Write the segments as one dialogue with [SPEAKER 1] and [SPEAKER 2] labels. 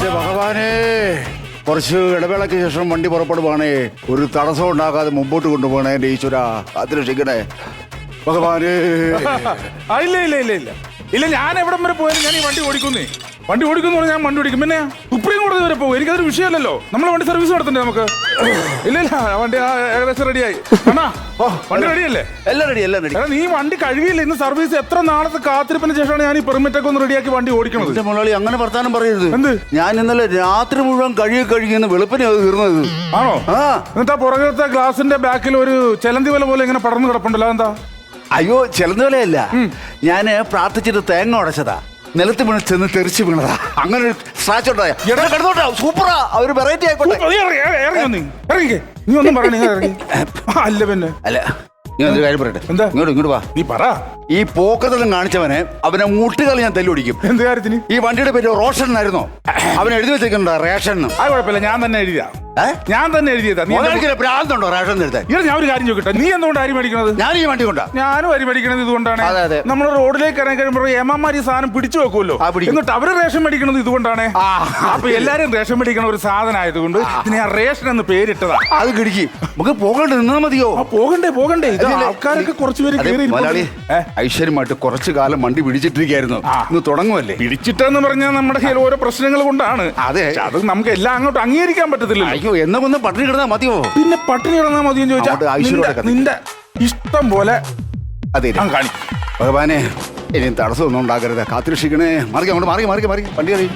[SPEAKER 1] എന്റെ ഭഗവാനെ, കുറച്ച് ഇടവേളയ്ക്ക് ശേഷം വണ്ടി പുറപ്പെടുവാണേ. ഒരു തടസ്സം ഉണ്ടാക്കാതെ മുമ്പോട്ട് കൊണ്ടുപോകണേ എന്റെ ഈശ്വര. അതിരക്ഷിക്കണേ ഭഗവാനെ.
[SPEAKER 2] ഇല്ല ഇല്ല ഇല്ല ഇല്ല ഇല്ല, ഞാൻ എവിടം വരെ പോയാലും ഞാൻ ഈ വണ്ടി ഓടിക്കുന്നേ. വണ്ടി ഓടിക്കുന്നു പറഞ്ഞാൽ ഞാൻ വണ്ടി ഓടിക്കും. പിന്നെ സുപ്രീം കോടതി വരെ പോകും, എനിക്കതൊരു വിഷയമല്ലല്ലോ. നമ്മളെ വണ്ടി സർവീസ് നടത്തണ്ടേ നമുക്ക്? ഇല്ല ഇല്ല, വണ്ടി ഏകദേശം റെഡിയായി. വണ്ടി റെഡിയല്ലേ?
[SPEAKER 1] എല്ലാം റെഡി, എല്ലാം റെഡി.
[SPEAKER 2] നീ വണ്ടി കഴിയില്ല. ഇന്ന് സർവീസ് എത്ര നാളത്തെ കാത്തിരിപ്പിന് ശേഷമാണ് ഞാൻ ഈ പെർമിറ്റ് ഒക്കെ ഒന്ന് റെഡിയാക്കി വണ്ടി ഓടിക്കണത്.
[SPEAKER 1] എന്റെ മുതലാളി അങ്ങനെ വർത്താനം പറയരുത്.
[SPEAKER 2] എന്ത്?
[SPEAKER 1] ഞാൻ ഇന്നലെ രാത്രി മുഴുവൻ കഴുകിയെന്ന് വെളുപ്പിനെ അത് തീർന്നത്.
[SPEAKER 2] ആണോ? എന്നിട്ടാ പുറകത്തെ ഗ്ലാസിന്റെ ബാക്കിൽ ഒരു ചെലന്തി വല പോലെ ഇങ്ങനെ പടർന്നു കിടപ്പുണ്ടല്ലോ, എന്താ?
[SPEAKER 1] അയ്യോ, ചെലന്തുവലയല്ല, ഞാന് പ്രാർത്ഥിച്ചിട്ട് തേങ്ങ ഉടച്ചതാ. നിലത്ത് വീണ് ചെന്ന് തെറിച്ച് വീണതാ. അങ്ങനെ ഒരു സ്ക്രാച്ച് ഉണ്ടായ കിടന്നോട്ടെ. സൂപ്പറാ, ഒരു വെറൈറ്റി ആയിക്കോട്ടെ.
[SPEAKER 2] ഇറങ്ങി നീ ഒന്നും പറയണ. അല്ല പിന്നെ
[SPEAKER 1] അല്ല, നീ ഒരു കാര്യം പറയട്ടെ.
[SPEAKER 2] എന്താ?
[SPEAKER 1] ഇങ്ങോട്ട് വാ.
[SPEAKER 2] നീ പറ.
[SPEAKER 1] ഈ പോക്കതെല്ലാം കാണിച്ചവനെ അവനെ മുട്ടുകൾ ഞാൻ തല്ലുപിടിക്കും.
[SPEAKER 2] എന്ത് കാര്യത്തിന്?
[SPEAKER 1] ഈ വണ്ടിയുടെ പേര് റോഷൻ എന്നായിരുന്നോ? അവൻ എഴുതി വെച്ചിട്ടുണ്ടോ റേഷൻ?
[SPEAKER 2] അത് കുഴപ്പമില്ല, ഞാൻ തന്നെ എഴുതിയാ. ഞാൻ തന്നെ എഴുതിയതാ.
[SPEAKER 1] ഭ്രാന്തുണ്ടോ റേഷൻ എഴുതാൻ?
[SPEAKER 2] ഞാൻ ഒരു കാര്യം ചോദിക്കട്ടെ, നീ എന്തുകൊണ്ട് അരി മേടിക്കണത്?
[SPEAKER 1] ഞാൻ ഈ വണ്ടി കൊണ്ടാ.
[SPEAKER 2] ഞാനും അരി മേടിക്കണത് ഇതുകൊണ്ടാണ്. നമ്മൾ റോഡിലേക്ക് ഇറങ്ങി കഴിയുമ്പോൾ ഏമാമാര് ഈ സാധനം പിടിച്ചു വെക്കുമല്ലോ, എന്നിട്ട് അവര് റേഷൻ മേടിക്കണത് ഇതുകൊണ്ടാണ്. അപ്പൊ എല്ലാരും റേഷൻ മേടിക്കണ ഒരു സാധനം ആയതുകൊണ്ട് ഞാൻ റേഷൻ എന്ന് പേരിട്ടതാ.
[SPEAKER 1] അത് കിടക്കി നമുക്ക് പോകണ്ടേ? നിന്നാ മതിയോ?
[SPEAKER 2] പോകണ്ടേ പോകണ്ടേ. ആൾക്കാരൊക്കെ കുറച്ചുപേര്
[SPEAKER 1] ഐശ്വര്യമായിട്ട് കുറച്ചു കാലം വണ്ടി പിടിച്ചിട്ടിരിക്കായിരുന്നു. ഇന്ന് തുടങ്ങുമല്ലേ?
[SPEAKER 2] പിടിച്ചിട്ടെന്ന് പറഞ്ഞാൽ നമ്മുടെ കയ്യിൽ ഓരോ പ്രശ്നങ്ങൾ കൊണ്ടാണ്.
[SPEAKER 1] അതെ,
[SPEAKER 2] അത് നമുക്ക് എല്ലാം അങ്ങോട്ട് അംഗീകരിക്കാൻ പറ്റത്തില്ല.
[SPEAKER 1] അയ്യോ, എന്നാ ഒന്ന് പട്ടിണി കിടന്നാ മതിയോ?
[SPEAKER 2] പിന്നെ പട്ടിണി കിടന്നാ മതിയെന്ന് ചോദിച്ചാൽ നിന്റെ ഇഷ്ടം പോലെ
[SPEAKER 1] അതെ
[SPEAKER 2] കാണിക്കും.
[SPEAKER 1] ഭഗവാനെ, ഇനി തടസ്സമൊന്നും ഉണ്ടാക്കരുത്. കാത്തിരക്ഷിക്കണേ. മാറി അങ്ങോട്ട് മാറി വണ്ടി കളി.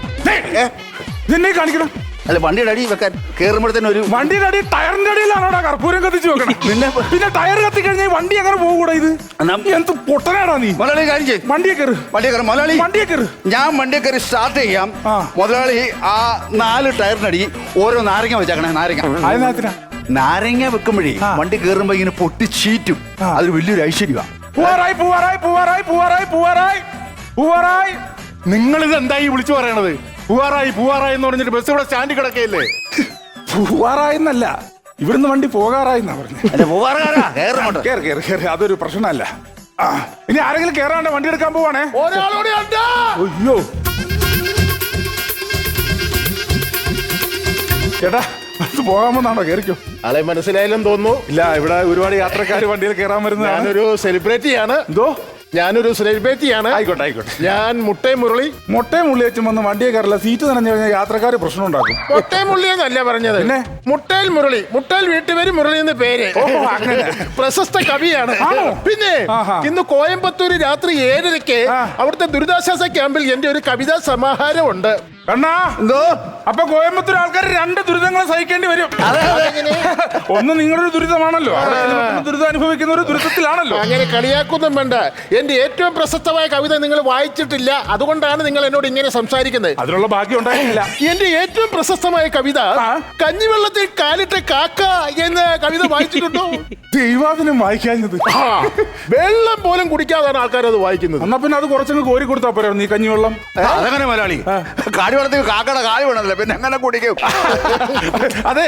[SPEAKER 2] ഇതെന്നെ കാണിക്കണം.
[SPEAKER 1] അല്ല, വണ്ടിയുടെ അടി വെക്കാൻ കേറുമ്പോഴത്തേനും ഒരു
[SPEAKER 2] വണ്ടിയുടെ അടി ടയറിന്റെ അടിയിലാണോ കർപ്പൂരം കത്തിച്ച് വെക്കണം? പിന്നെ ടയർ കത്തി കഴിഞ്ഞാൽ വണ്ടി അങ്ങനെ പോകൂടാ. ഇത് എന്ത് പൊട്ടനാടാ നീ?
[SPEAKER 1] മുതലാളി കാര്യം ചെയ്യും.
[SPEAKER 2] വണ്ടിയെ കയറ്
[SPEAKER 1] മുതലാളി.
[SPEAKER 2] വണ്ടിയെ കയറ്.
[SPEAKER 1] ഞാൻ വണ്ടിയെ കയറി സ്റ്റാർട്ട് ചെയ്യാം. മുതലാളി ആ 4 ടയറിനടി ഓരോ നാരങ്ങ വെച്ചേക്കണേ. നാരങ്ങ വെക്കുമ്പോഴേ വണ്ടി കയറുമ്പോ ഇങ്ങനെ പൊട്ടി ചീറ്റും. അതൊരു വലിയൊരു ഐശ്വര്യമാണ്.
[SPEAKER 3] നിങ്ങളിത് എന്തായി വിളിച്ചു പറയണത്? പൂവാറായി എന്ന് പറഞ്ഞിട്ട് ബസ് ഇവിടെ സ്റ്റാൻഡിൽ കിടക്കയില്ലേ?
[SPEAKER 2] പൂവാറായെന്നല്ല, ഇവിടുന്ന് വണ്ടി പോകാറായി എന്നാ പറഞ്ഞത്. അതൊരു പ്രശ്നമല്ല. ഇനി ആരെങ്കിലും കേറാണ്ട് വണ്ടി എടുക്കാൻ പോവാണേ. അയ്യോ ചേട്ടാ, അത് പോകാമെന്നാണോ? കേറിക്കോ.
[SPEAKER 3] ആളെ മനസ്സിലായാലും തോന്നുന്നു.
[SPEAKER 2] ഇല്ല, ഇവിടെ ഒരുപാട് യാത്രക്കാർ വണ്ടിയിൽ കയറാൻ വരുന്നത്.
[SPEAKER 3] ഞാനൊരു സെലിബ്രിറ്റിയാണ്. ഞാനൊരു സെലിബ്രിറ്റിയാണ്.
[SPEAKER 2] ആയിക്കോട്ടെ.
[SPEAKER 3] ഞാൻ മുട്ടയും മുരളി
[SPEAKER 2] വെച്ചും വന്ന് വണ്ടിയെ കയറില്ല. സീറ്റ് നനഞ്ഞു കഴിഞ്ഞാൽ യാത്രക്കാർ പ്രശ്നം ഉണ്ടാക്കും.
[SPEAKER 3] മുട്ടയും മുരളിയെന്നല്ല പറഞ്ഞത്, പിന്നെ മുട്ടയിൽ മുരളി. മുട്ടയിൽ വീട്ടുപേര് മുരളി എന്ന് പേര്. പ്രശസ്ത കവിയാണ്. പിന്നെ ഇന്ന് കോയമ്പത്തൂര് രാത്രി 7:30 അവിടുത്തെ ദുരിതാശ്വാസ ക്യാമ്പിൽ എന്റെ ഒരു കവിതാ സമാഹാരം ഉണ്ട്.
[SPEAKER 2] കണ്ണാ, എന്തോ? അപ്പൊ കോയമ്പത്തൂർ ആൾക്കാർ 2 ദുരിതങ്ങൾ സഹിക്കേണ്ടി വരും. ഒന്ന് നിങ്ങളൊരു ദുരിതമാണല്ലോ, ദുരിതം അനുഭവിക്കുന്ന ഒരു ദുരിതത്തിലാണല്ലോ.
[SPEAKER 3] അങ്ങനെ കളിയാക്കൊന്നും വേണ്ട. എന്റെ ഏറ്റവും പ്രശസ്തമായ കവിത നിങ്ങൾ വായിച്ചിട്ടില്ല, അതുകൊണ്ടാണ് നിങ്ങൾ എന്നോട് ഇങ്ങനെ സംസാരിക്കുന്നത്.
[SPEAKER 2] അതിനുള്ള ഭാഗ്യം ഉണ്ടായിട്ടില്ല.
[SPEAKER 3] എന്റെ ഏറ്റവും പ്രശസ്തമായ കവിത കഞ്ഞിവെള്ളത്തിൽ കാലിട്ട കാക്ക എന്ന കവിത വായിച്ചിട്ടുണ്ടോ?
[SPEAKER 2] ദൈവാദിനം വായിക്കാഞ്ഞത്.
[SPEAKER 3] വെള്ളം പോലും കുടിക്കാതാണ് ആൾക്കാർ അത് വായിക്കുന്നത്.
[SPEAKER 2] എന്നാ പിന്നെ അത് കുറച്ചങ്ങ് കോരി കൊടുത്താ പോരാ നീ കഞ്ഞിവെള്ളം?
[SPEAKER 1] അതങ്ങനെ മലയാളി കാടിവെള്ളത്തിൽ കാക്കയുടെ കാല് വേണമല്ലോ, പിന്നെ എങ്ങനെ കുടിക്കും?
[SPEAKER 2] അതെ,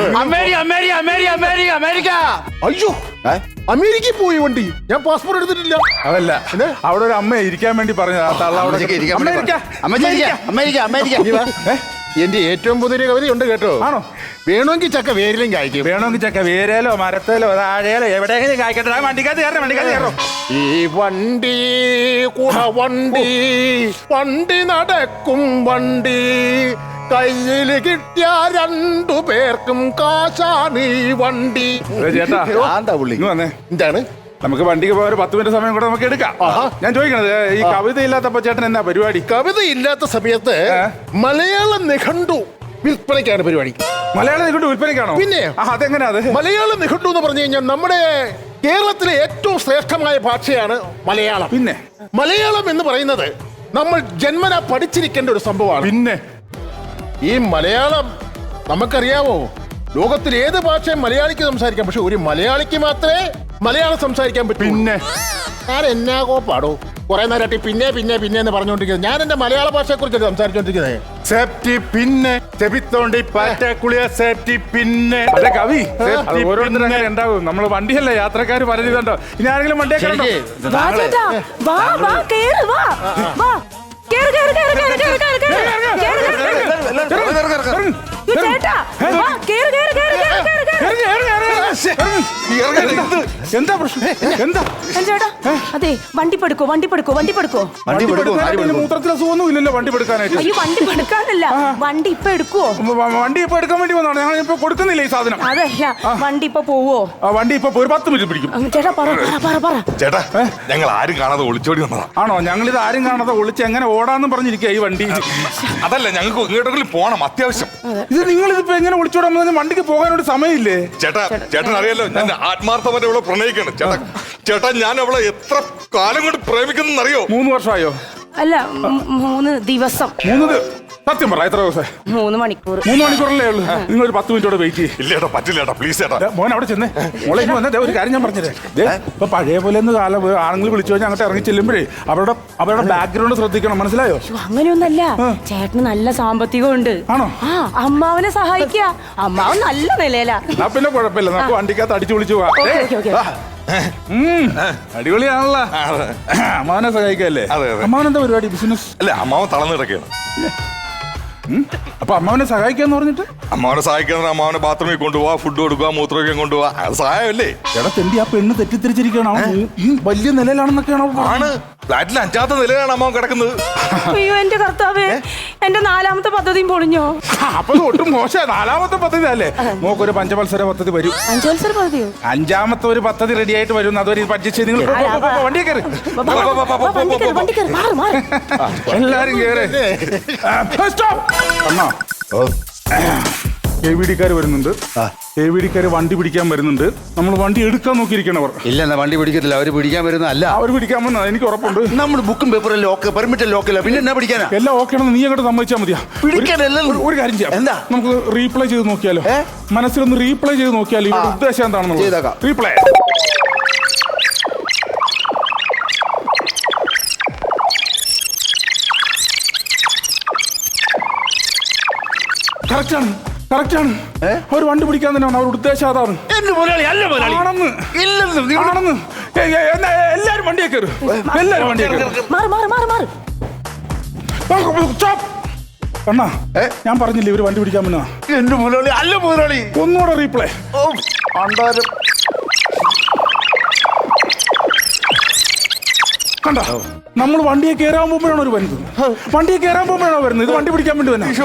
[SPEAKER 1] അമേരിക്ക.
[SPEAKER 3] അയ്യോ, അമേരിക്കയിൽ പോയി വണ്ടി. ഞാൻ പാസ്പോർട്ട് എടുത്തിട്ടില്ല.
[SPEAKER 2] അതല്ല, അവിടെ ഒരു അമ്മ ഇരിക്കാൻ വേണ്ടി പറഞ്ഞു.
[SPEAKER 3] എന്റെ ഏറ്റവും പുതിയ കവിതയുണ്ട് കേട്ടോ.
[SPEAKER 2] ആണോ?
[SPEAKER 3] വേണമെങ്കിൽ ചക്ക വേരിലും കായ്ക്കും.
[SPEAKER 2] വേണമെങ്കിൽ ചക്ക വേരേലോ മരത്തേലോ താഴേലോ എവിടെയെങ്കിലും കായ്ക്കട്ടെ. വണ്ടിക്കകത്ത് കയറോ.
[SPEAKER 3] ഈ വണ്ടി വണ്ടി നടക്കും വണ്ടി, കയ്യിൽ കിട്ടിയ 2 പേർക്കും കാശാണ് ഈ വണ്ടി.
[SPEAKER 2] ചേട്ടാ,
[SPEAKER 3] എന്താണ്?
[SPEAKER 2] നമുക്ക് വണ്ടിക്ക് പോയ 10 മിനിറ്റ് സമയം കൂടെ നമുക്ക് എടുക്കാം. ഞാൻ ചോദിക്കണത്, ഈ കവിത ഇല്ലാത്തപ്പോ ചേട്ടൻ എന്നാ പരിപാടി?
[SPEAKER 3] കവിത ഇല്ലാത്ത സമയത്ത് മലയാള നിഘണ്ടു വിൽപ്പനയ്ക്കാണ് പരിപാടി.
[SPEAKER 2] മലയാള നിഘണ്ടു വിൽപ്പനയ്ക്കാണോ? പിന്നെ അതെങ്ങനെയാ? മലയാള
[SPEAKER 3] നിഘണ്ടു എന്ന് പറഞ്ഞു കഴിഞ്ഞാൽ നമ്മുടെ കേരളത്തിലെ ഏറ്റവും ശ്രേഷ്ഠമായ ഭാഷയാണ് മലയാളം.
[SPEAKER 2] പിന്നെ
[SPEAKER 3] മലയാളം എന്ന് പറയുന്നത് നമ്മൾ ജന്മന പഠിച്ചിരിക്കേണ്ട ഒരു സംഭവമാണ്.
[SPEAKER 2] പിന്നെ
[SPEAKER 3] ഈ മലയാളം നമുക്കറിയാമോ, ലോകത്തിൽ ഏത് ഭാഷയും മലയാളിക്ക് സംസാരിക്കാം, പക്ഷെ ഒരു മലയാളിക്ക് മാത്രമേ മലയാളം സംസാരിക്കാൻ പറ്റൂ.
[SPEAKER 2] പിന്നെ
[SPEAKER 3] ഞാൻ എന്നാ കോപ്പാടോ കുറെ നേരമായിട്ട് പിന്നെ പിന്നെ പിന്നെ എന്ന് പറഞ്ഞുകൊണ്ടിരിക്കുന്നത്. ഞാൻ എന്റെ മലയാള ഭാഷയെ കുറിച്ച് സംസാരിച്ചോണ്ടിരിക്കുന്നത്.
[SPEAKER 2] സേഫ്റ്റി പിന്നെ ചെവിത്തോണ്ടി പാറ്റക്കുളിയ സേഫ്റ്റി പിന്നെ കവി ഓരോരുത്തരും ഉണ്ടാവും. നമ്മള് വണ്ടിയല്ല, യാത്രക്കാർ പറഞ്ഞിട്ടുണ്ടോ? ഇനി ആരെങ്കിലും വണ്ടിയെ
[SPEAKER 4] ചേട്ടാ വാ, കേറ്, കേറ്, കേറ്, കേറ്, കേറ്, കേറ്.
[SPEAKER 2] എന്താ പ്രശ്നം? എന്താ
[SPEAKER 4] ചേട്ടാ അതെ വണ്ടി പെടുക്കോ വണ്ടി പെടുക്കോ വണ്ടി പെടുക്കോ
[SPEAKER 1] വണ്ടി പെടുക്കും, ആര് പെടുക്കും?
[SPEAKER 2] മൂത്രത്തിൽ അസുഖമൊന്നും ഇല്ലല്ലോ വണ്ടി എടുക്കാനായിട്ട്.
[SPEAKER 4] അയ്യോ വണ്ടി പെടുക്കാനല്ല വണ്ടി ഇപ്പൊ എടുക്കുവോ
[SPEAKER 2] വണ്ടി ഇപ്പൊ എടുക്കാൻ വേണ്ടി വന്നതാണ്. ഞങ്ങൾ ഇപ്പൊ കൊടുക്കുന്നില്ല ഈ സാധനം.
[SPEAKER 4] അതല്ല വണ്ടി ഇപ്പൊ പോവോ
[SPEAKER 2] വണ്ടി ഇപ്പൊ ഒരു 10 മിനിറ്റ് പിടിക്കും.
[SPEAKER 4] ചേട്ടാ പറ പറ പറ പറ
[SPEAKER 5] ചേട്ടാ ഞങ്ങൾ ആരും കാണാതെ ഒളിച്ചോടി വന്നതാ.
[SPEAKER 2] ആണോ? ഞങ്ങളിത് ആരും കാണാതെ ഒളിച്ച് എങ്ങനെ ഓടാന്ന് പറഞ്ഞിരിക്കുക ഈ വണ്ടി.
[SPEAKER 5] അതല്ല ഞങ്ങൾക്ക് ഇങ്ങോട്ടെങ്കിലും പോണം അത്യാവശ്യം.
[SPEAKER 2] ഇത് നിങ്ങളിതിപ്പോ എങ്ങനെ ഒളിച്ചോടാൻ വന്നാൽ വണ്ടിക്ക് പോകാനൊരു സമയമില്ലേ?
[SPEAKER 5] ചേട്ടൻ അറിയാലോ ഞാൻ ആത്മാർത്ഥമായിട്ട് അവളെ പ്രണയിക്കാണ്. ചേട്ടാ ഞാൻ അവളെ എത്ര കാലം കൊണ്ട് പ്രേമിക്കുന്ന അറിയോ?
[SPEAKER 2] 3 വർഷമായോ?
[SPEAKER 4] അല്ല 3 ദിവസം.
[SPEAKER 2] സത്യം പറ, എത്ര ദിവസം?
[SPEAKER 4] 3 മണിക്കൂർ.
[SPEAKER 2] 3 മണിക്കൂറല്ലേ ഉള്ളൂ. നിങ്ങൾ ഒരു 10 മിനിറ്റോടെ വെയിറ്റ് ചെയ്യും.
[SPEAKER 5] ഇല്ല ചേട്ടാ, പറ്റില്ല ചേട്ടാ, പ്ലീസ് ചേട്ടാ.
[SPEAKER 2] മോൻ അവിടെ ചെന്നേ. മോളെ ഇനി വന്നേ, ഒരു കാര്യം ഞാൻ പറഞ്ഞേ. ഇപ്പൊ പഴയ പോലെ ഒന്ന് കാലം ആണെങ്കിൽ വിളിച്ചു കഴിഞ്ഞാൽ അങ്ങോട്ട് ഇറങ്ങി ചെല്ലുമ്പോഴേ അവരുടെ ബാക്ക്ഗ്രൗണ്ട് ശ്രദ്ധിക്കണം, മനസ്സിലായോ?
[SPEAKER 4] അങ്ങനെയൊന്നല്ല, ചേട്ടന് നല്ല സാമ്പത്തികം ഉണ്ട്.
[SPEAKER 2] ആണോ?
[SPEAKER 4] ആ അമ്മാവനെ സഹായിക്ക. അമ്മാവൻ നല്ല നിലയിലാ.
[SPEAKER 2] പിന്നെ കുഴപ്പമില്ല, നമുക്ക് വണ്ടിക്കകത്ത് അടിച്ചു വിളിച്ചു പോവാ. അടിപൊളിയാണല്ലോ. അമ്മാവനെ സഹായിക്കല്ലേ? അമ്മാവൻ എന്താ പരിപാടി? ബിസിനസ്
[SPEAKER 5] അല്ല, അമ്മാവൻ തളർന്നു കിടക്കുകയാണ്.
[SPEAKER 2] അപ്പൊ അമ്മാവനെ സഹായിക്കാന്ന് പറഞ്ഞിട്ട്?
[SPEAKER 5] അമ്മാവനെ സഹായിക്കാൻ അമ്മാവനെ ബാത്റൂമിൽ കൊണ്ടുപോവാ, ഫുഡ് കൊടുക്കുക, മൂത്രമൊക്കെ കൊണ്ടുപോവാ, അത് സഹായമല്ലേ?
[SPEAKER 2] എടാ തെണ്ടി, ആ പെണ്ണ് തെറ്റിദ്ധരിച്ചിരിക്കണം. ഈ വലിയ നിലയിലാണെന്നൊക്കെയാണോ?
[SPEAKER 5] ആണ്, ഫ്ലാറ്റിൽ 5ാമത്തെ നിലയിലാണ് അമ്മാവൻ കിടക്കുന്നത്.
[SPEAKER 4] അയ്യോ എന്റെ കർത്താവേ, എന്റെ 4ാമത്തെ പദ്ധതിയും പൊളിഞ്ഞോ?
[SPEAKER 2] അപ്പൊ ഒട്ടും മോശം. 4ാമത്തെ പദ്ധതി അല്ലേ? നോക്കൊരു പഞ്ചവത്സര പദ്ധതി വരും.
[SPEAKER 4] 5 പദ്ധതിയോ?
[SPEAKER 2] 5ാമത്തെ ഒരു പദ്ധതി റെഡി ആയിട്ട് വരും. അതുവരെ പറ്റിച്ച് നിങ്ങൾ വണ്ടി കയറി. എല്ലാരും കേറ്. അണ്ണാ, KVD-ക്കാര് വരുന്നുണ്ട്. KVD-ക്കാര് വണ്ടി പിടിക്കാൻ വരുന്നുണ്ട്. നമ്മൾ വണ്ടി എടുക്കാൻ നോക്കിയിരിക്കണവർ.
[SPEAKER 1] ഇല്ല, എന്നാ വണ്ടി പിടിക്കത്തില്ല. അവര് പിടിക്കാൻ വരുന്നതല്ല.
[SPEAKER 2] അവർ പിടിക്കാൻ വന്ന എനിക്ക് ഉറപ്പുണ്ട്.
[SPEAKER 1] നമ്മൾ ബുക്കും പേപ്പറും ലോക്ക്, പെർമിറ്റ് ലോക്കില്ല, പിന്നെ എന്നാ പിടിക്കാനാ?
[SPEAKER 2] എല്ലാം ഓക്കെ ആണെന്ന് നീ അങ്ങോട്ട് സമ്മതിച്ചാൽ മതിയാ. ഒരു കാര്യം ചെയ്യാം.
[SPEAKER 1] എന്താ?
[SPEAKER 2] നമുക്ക് റീപ്ലൈ ചെയ്ത് നോക്കിയാലോ? മനസ്സിലൊന്ന് റീപ്ലൈ ചെയ്ത് നോക്കിയാലോ ഇവിടെ ഉദ്ദേശം എന്താണെന്നുള്ളത്. റീപ്ലൈ കറക്റ്റാണ്. അവർ വണ്ടി പിടിക്കാൻ തന്നെയാണ് അവരുടെ ഉദ്ദേശം. അതാണ്. എല്ലാരും വണ്ടിയെ കയറും. എല്ലാരും വണ്ടിയെ കയറും. അണ്ണാ, ഞാൻ പറഞ്ഞില്ലേ ഇവര് വണ്ടി പിടിക്കാൻ പറ്റുന്ന?
[SPEAKER 1] എന്റെ മുതലാളി അല്ല മുതലാളി.
[SPEAKER 2] ഒന്നുകൂടെ റീപ്ലേ. കണ്ട, നമ്മൾ വണ്ടിയെ കയറാൻ പോകുമ്പോഴാണ് ഒരു വരുന്നത്. വണ്ടിയെ കയറാൻ പോകുമ്പോഴാണോ വരുന്നത്? ഇത് വണ്ടി പിടിക്കാൻ വേണ്ടി തന്നെ.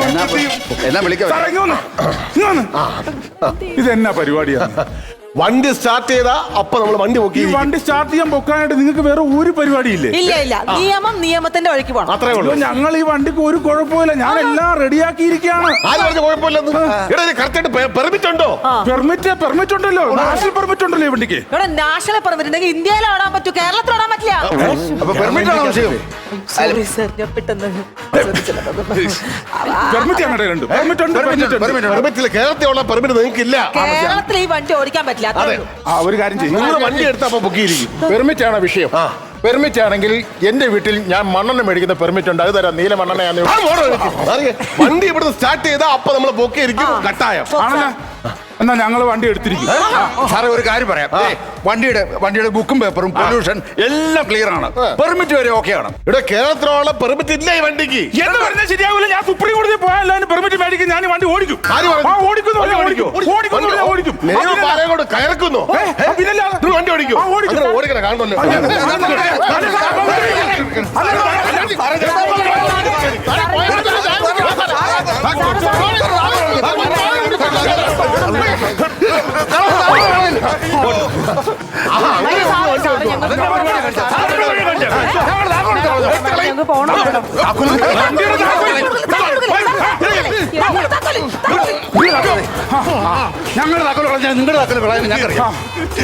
[SPEAKER 2] ഇതെന്നാ പരിപാടിയാണ്?
[SPEAKER 3] വണ്ടി സ്റ്റാർട്ട് ചെയ്താ അപ്പൊ നമ്മൾ വണ്ടി പൊക്കി.
[SPEAKER 2] ഈ വണ്ടി സ്റ്റാർട്ട് ചെയ്യാൻ പൊക്കാനായിട്ട് നിങ്ങൾക്ക് വേറെ ഒരു പരിപാടിയില്ലേ?
[SPEAKER 6] ഇല്ല, നിയമത്തിന്റെ വഴിക്ക് പോകണം.
[SPEAKER 3] അത്രേ ഉള്ളൂ.
[SPEAKER 2] ഞങ്ങൾ ഈ വണ്ടിക്ക് ഒരു കുഴപ്പമില്ല. ഞാൻ എല്ലാം റെഡിയാക്കിയിരിക്കുകയാണ്.
[SPEAKER 3] ആര് പറഞ്ഞ കുഴപ്പമില്ലെന്ന്? പെർമിറ്റ് ഉണ്ടോ?
[SPEAKER 2] പെർമിറ്റ് ഉണ്ടല്ലോ. നാഷണൽ പെർമിറ്റ് ഉണ്ടല്ലോ ഈ വണ്ടിക്ക്.
[SPEAKER 6] ഇവിടെ നാഷണൽ പെർമിറ്റ് ഉണ്ടെങ്കിൽ ഇന്ത്യയിൽ ഓടാൻ പറ്റൂ, കേരളത്തിൽ ഓടാൻ പറ്റില്ല.
[SPEAKER 1] പെർമിറ്റ് ആണോ വിഷയം?
[SPEAKER 3] കേരളത്തിലുള്ള പെർമിറ്റ് നിങ്ങൾക്ക് ഇല്ല.
[SPEAKER 6] കേരളത്തിൽ ഈ വണ്ടി ഓടിക്കാൻ പറ്റില്ല.
[SPEAKER 2] ഒരു കാര്യം ചെയ്യും,
[SPEAKER 3] വണ്ടി എടുത്തപ്പോ പൊക്കിയിരിക്കും. പെർമിറ്റ് ആണ് വിഷയം. പെർമിറ്റ് ആണെങ്കിൽ എന്റെ വീട്ടിൽ ഞാൻ മണ്ണെണ്ണ മേടിക്കുന്ന പെർമിറ്റ് ഉണ്ട്. അത് തരാം. നീല മണ്ണെണ്ണ. വണ്ടി ഇവിടുന്ന് സ്റ്റാർട്ട് ചെയ്താൽ അപ്പൊ നമ്മൾ പൊക്കിയിരിക്കും. കട്ടായം
[SPEAKER 2] ആണല്ലോ. എന്നാ ഞങ്ങൾ വണ്ടി എടുത്തിരിക്കും.
[SPEAKER 1] സാറേ ഒരു കാര്യം പറയാം. വണ്ടിയുടെ ബുക്കും പേപ്പറും പൊല്യൂഷൻ എല്ലാം ക്ലിയർ ആണ്. പെർമിറ്റ് വരെ ഓക്കെ ആണ്.
[SPEAKER 3] ഇവിടെ കേരളത്തിലുള്ള പെർമിറ്റ് ഇല്ല ഈ വണ്ടിക്ക്.
[SPEAKER 2] എന്ന് പറഞ്ഞാൽ ശരിയാവില്ല. ഞാൻ സുപ്രീം കോടതി പോയാലും പെർമിറ്റ് മേടിക്കും. ഞാൻ വണ്ടി ഓടിക്കും. ഓടിക്കും.
[SPEAKER 3] കയറക്കുന്നു. വണ്ടി ഓടിക്കും. ഓടിക്കണം കാണുമല്ലോ.
[SPEAKER 1] ഞങ്ങളുടെ താക്കോൽ കളഞ്ഞാൽ നിങ്ങളുടെ താക്കോൽ കളയാൻ ഞങ്ങൾക്കറിയാം.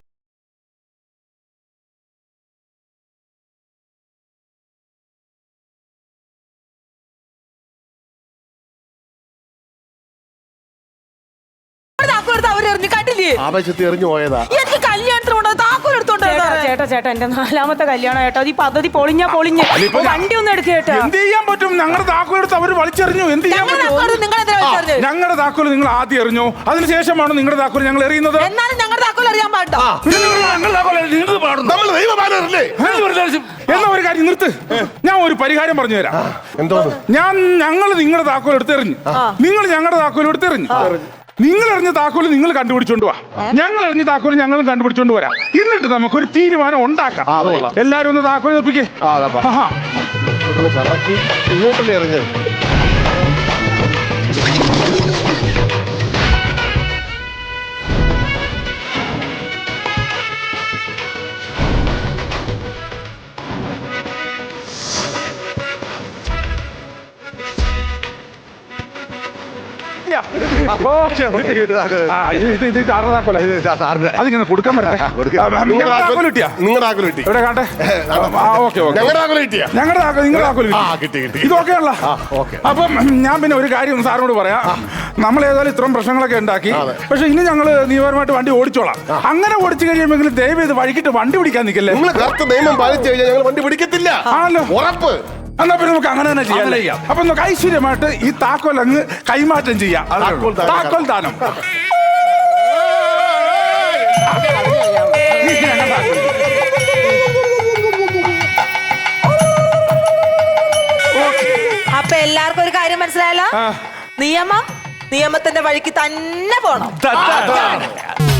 [SPEAKER 3] ആവേശത്തിൽ എറിഞ്ഞു പോയതാ.
[SPEAKER 6] എനിക്ക് കല്യാണത്തിന് കൊണ്ടത് താക്കോൽ എടുത്തോണ്ട്
[SPEAKER 4] ചേട്ടാ എന്റെ 4ാമത്തെ കല്യാണം കേട്ടോ. ഈ പദ്ധതി പൊളിഞ്ഞ വണ്ടി ഒന്നും എടുക്കേട്ടാ.
[SPEAKER 2] എന്ത് ചെയ്യാൻ പറ്റും? ഞങ്ങളുടെ താക്കോൽ എടുത്ത് അവര് വലിച്ചെറിഞ്ഞു. എന്ത് ചെയ്യാൻ പറ്റും?
[SPEAKER 6] ഞങ്ങളുടെ
[SPEAKER 2] ഞങ്ങളുടെ താക്കോൽ നിങ്ങൾ ആദ്യം എറിഞ്ഞു. അതിനുശേഷമാണ് നിങ്ങളുടെ താക്കോൽ ഞങ്ങൾ എറിയുന്നത്.
[SPEAKER 6] എന്നാലും ഞങ്ങളുടെ താക്കോൽ അറിയാൻ പാട്ടോ?
[SPEAKER 3] നമ്മൾ ദൈവമാനല്ലേ?
[SPEAKER 2] എന്നാ ഒരു കാര്യം നിർത്ത്. ഞാൻ ഒരു പരിഹാരം പറഞ്ഞു തരാം.
[SPEAKER 3] എന്തോന്ന്?
[SPEAKER 2] ഞങ്ങൾ നിങ്ങളുടെ താക്കോൽ എടുത്തെറിഞ്ഞു, നിങ്ങൾ ഞങ്ങളുടെ താക്കോൽ എടുത്തെറിഞ്ഞു. നിങ്ങൾ എറിഞ്ഞ താക്കോല് നിങ്ങൾ കണ്ടുപിടിച്ചോണ്ട് വാ, ഞങ്ങൾ എറിഞ്ഞ താക്കോല് ഞങ്ങളും കണ്ടുപിടിച്ചോണ്ട് വരാം. എന്നിട്ട് നമുക്കൊരു തീരുമാനം ഉണ്ടാക്കാം. എല്ലാരും ഒന്ന് താക്കോൽ ഏൽപ്പിക്കേ.
[SPEAKER 3] ഇങ്ങോട്ടല്ലേ എറിഞ്ഞത്?
[SPEAKER 2] അതിങ്ങനെ കൊടുക്കാൻ
[SPEAKER 3] നിങ്ങളുടെ ആക്കല് കിട്ടി.
[SPEAKER 2] ഇവിടെ കാട്ടെ.
[SPEAKER 3] ഞങ്ങളുടെ ആക്കല് കിട്ടിയാ?
[SPEAKER 2] ഞങ്ങളുടെ താക്കോൽ നിങ്ങളുടെ താക്കോൽ
[SPEAKER 3] കിട്ടി.
[SPEAKER 2] ഇതൊക്കെയുള്ള. അപ്പം ഞാൻ പിന്നെ ഒരു കാര്യം സാറിനോട് പറയാം. നമ്മൾ ഏതായാലും ഇത്രയും പ്രശ്നങ്ങളൊക്കെ ഉണ്ടാക്കി, പക്ഷെ ഇനി ഞങ്ങള് നിയമപരമായിട്ട് വണ്ടി ഓടിച്ചോളാം. അങ്ങനെ ഓടിച്ചു കഴിയുമെങ്കിലും ദയവ് ഇത് വഴിക്കിട്ട് വണ്ടി പിടിക്കാൻ നിൽക്കല്ലേ.
[SPEAKER 3] നിങ്ങൾ കറക്റ്റ് നിയമം പാലിച്ചു കഴിഞ്ഞാൽ ഞങ്ങൾ വണ്ടി പിടിക്കത്തില്ല.
[SPEAKER 2] ആണല്ലോ,
[SPEAKER 3] ഉറപ്പ്.
[SPEAKER 2] എന്നാ പിന്നെ നമുക്ക് അങ്ങനെ തന്നെ ചെയ്യാം. അപ്പൊ നമുക്ക് ഐശ്വര്യമായിട്ട് ഈ താക്കോൽ അങ്ങ് കൈമാറ്റം ചെയ്യാം. താക്കോൽ ദാനം.
[SPEAKER 6] അപ്പൊ എല്ലാവർക്കും ഒരു കാര്യം മനസ്സിലായല്ലോ. നിയമത്തിന്റെ വഴിക്ക് തന്നെ പോണം.